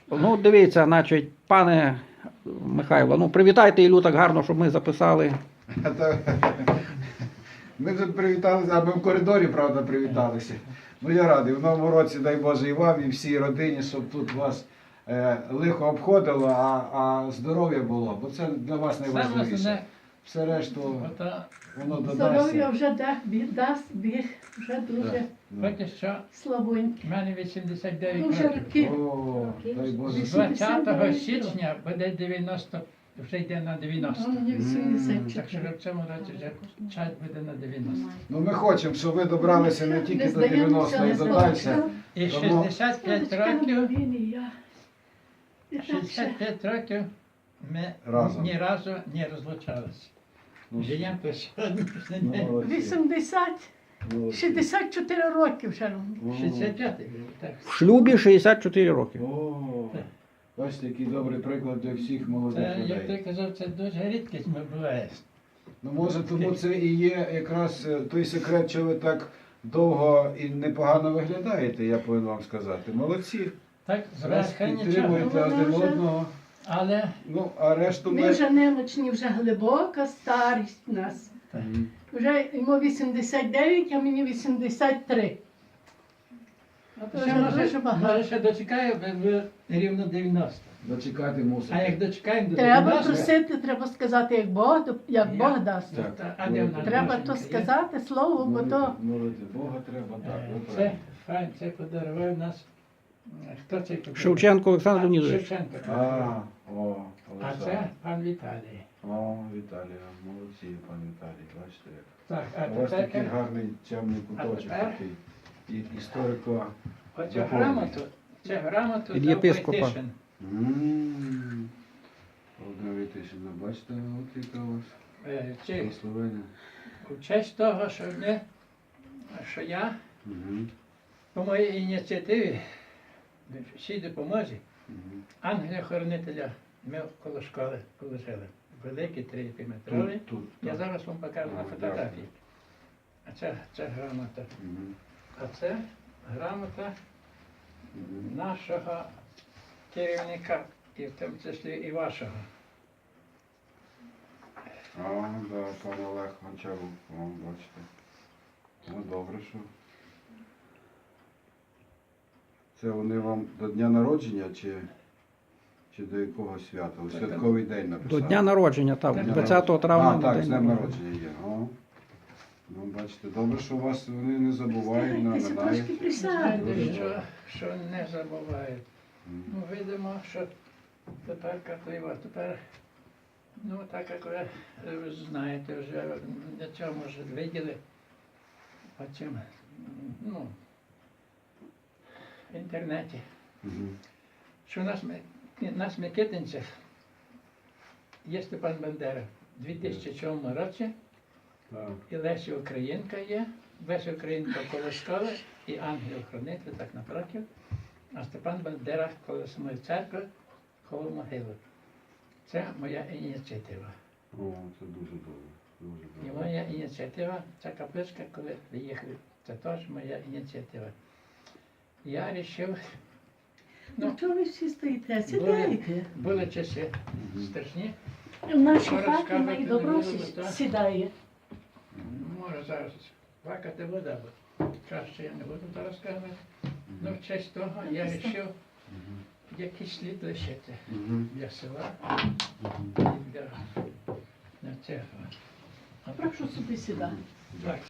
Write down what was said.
Ну, дивіться, значить, пане Михайло, ну привітайте Іллю так гарно, щоб ми записали. Ми тут привіталися, а ми в коридорі, правда, привіталися. Ну я радий, в новому році, дай Боже, і вам, і всій родині, щоб тут вас лихо обходило, а здоров'я було, бо це для вас найважливіше. Все решту воно Здоров'я додасться. вже дасть Біг, вже дуже Поки що слабонький. в мене 89 Дуже років. роки. О, дай Боже. З 20 січня буде 90, вже йде на 90. А мені Так що 84. в цьому році вже час буде на 90. Ну ми хочемо, щоб ви добралися не тільки Не до 90 здаємося, і не до далі. здаємося. І Тому- 65 років, Він і я. І так ще. 65 років ми Разом. ні разу не розлучалися. Ну, Живемо по сьогоднішній день. молодці. 80, Молодці. 64 роки вже. О. 65-й, так. В шлюбі 64 роки. О, бачите, який добрий приклад для всіх молодих Це, як ти людей. казав, це дуже рідкість буває. Ну може тому це і є якраз той секрет, що ви так довго і непогано виглядаєте, я повинен вам сказати. Молодці. Так, Раз зверху нічого. підтримуєте Вона один вже- одного. Але Ну, а решту Ми ми... вже немочні, вже глибока старість у нас. Мгм. Вже йому 89, а мені 83. ще Вже може, дуже багато. може ще дочекаю, ви рівно 90. Дочекати мусите. А як дочекаємо до Треба 90, просити, треба сказати, як Бог дасть. Так. а де вона? Треба Душенька то є? сказати слово, бо то Молити Бога треба, так. ви Це праві. файн, це подарував нас. Хто це подарував? Шевченко Олександр Леонідович. Шевченко. А, о, А Олександр. це пан Віталій. О, Віталія, молодці, пан Віталій, бачите як. Так, У вас такий тепер гарний темний куточок тепер? такий. І історико. оцю заповнений. грамоту, цю грамоту Від дав єпископа. Войтишин. Володимир Вітишин, бачите, от яка у вас Чи благословення. в честь того, що я Мгм, по моїй ініціативі, всій допомозі, мгм. ангеля-хоронителя ми коло школи положили. Великий 3-метровий. Тут, Я так. зараз вам покажу на Ага, фотографії. А це грамота. Мгм, А це грамота мгм. нашого керівника, і в тому числі і вашого. А, да, пан Олег Гончарук, о, бачите. Ну, добре, що. Це вони вам до дня народження чи до якого свята? У святковий день написали? До дня народження, так, Дня 20 травня. А, так, день з днем народження є. О. Ну, бачите, добре, що вас вони не забувають, Трошки нагадують. присядьте. Знаєте, що не забувають. М. Ну, видимо, що тепер, ну так як ви знаєте, вже для цього може виділи потім, ну, в інтернеті, Мгм. що нас в Микитинцях є Степан Бандера в 2007 році, Так. і Леся Українка є, Леся Українка коло школи і ангел-хранитель так напротив, а Степан Бандера коло самої церкви, коло могили. Це моя ініціатива. О, це дуже добре. Дуже І добре. моя ініціатива, ця капличка, коли приїхали, це теж моя ініціатива. Я вирішив, Ну чого ви всі стоїте? Сідайте. були часи Мгм. страшні, В нашій Зараз хаті кавати має не добро було, так? сідає. може зараз плакати вода, бо краще я не буду зараз казати. Ну, в честь того я вирішив Мгм. якийсь слід лишити Мгм. для села Мгм. і для цього. Прошу собі сідати. Так.